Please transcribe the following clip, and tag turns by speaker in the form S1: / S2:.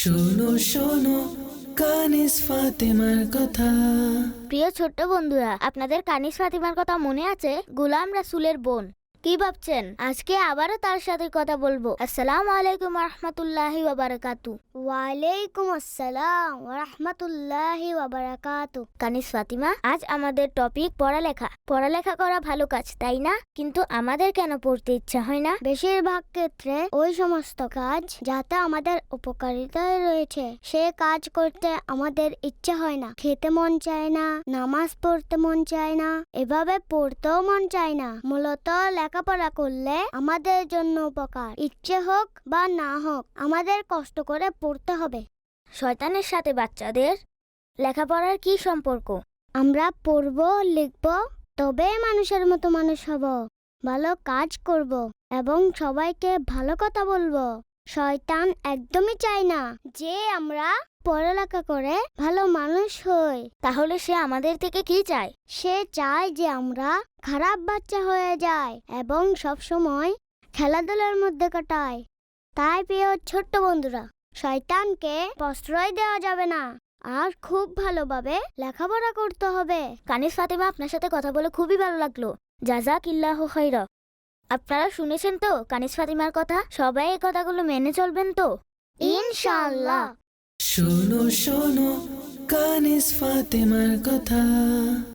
S1: শোনো শোনো কানিস ফাতেমার কথা।
S2: প্রিয় ছোট্ট বন্ধুরা, আপনাদের কানিস ফাতিমার কথা মনে আছে? গোলাম রাসূলের বোন। কি ভাবছেন? আজকে আবারও তার সাথে কথা বলবো। আসসালামু আলাইকুম ওয়া রাহমাতুল্লাহি ওয়া বারাকাতু। ওয়ালাইকুম আসসালাম ওয়া রাহমাতুল্লাহি ওয়া বারাকাতু। কানিস ফাতিমা, আজ আমাদের টপিক পড়ালেখা। পড়ালেখা করা ভালো কাজ, তাই না? কিন্তু আমাদের কেন পড়তে ইচ্ছা হয় না? বেশিরভাগ ক্ষেত্রে ওই সমস্ত কাজ যাতে আমাদের উপকারিতায় রয়েছে সে কাজ করতে আমাদের ইচ্ছে হয় না। খেতে মন চায় না, নামাজ পড়তে মন চায় না, এভাবে পড়তেও মন চায় না। মূলত লেখাপড়া করলে আমাদের জন্য উপকার, ইচ্ছে হোক বা না হোক আমাদের কষ্ট করে পড়তে হবে। শয়তানের সাথে বাচ্চাদের লেখাপড়ার কি সম্পর্ক? আমরা পড়ব, লিখব, তবে মানুষের মতো মানুষ হব, ভালো কাজ করব এবং সবাইকে ভালো কথা বলবো। শয়তান একদমই চায় না যে আমরা পড়ালেখা করে ভালো মানুষ হই। তাহলে সে আমাদের থেকে কি চায়? সে চায় যে আমরা খারাপ বাচ্চা হয়ে যাই এবং সব সময় খেলাধুলার মধ্যে কাটাই। তাই প্রিয় ছোট্ট বন্ধুরা, শয়তানকে প্রশ্রয় দেওয়া যাবে না আর খুব ভালোভাবে লেখাপড়া করতে হবে। কানিস ফাতিমা, আপনার সাথে কথা বলে খুবই ভালো লাগলো। জাযাকিল্লাহু খাইরা। আপনারা শুনেছেন তো কানিস ফাতিমার কথা? সবাই এই কথাগুলো মেনে চলবেন তো? ইনশাআল্লাহ।
S1: শোনো শোনো কানিস ফাতেমার কথা।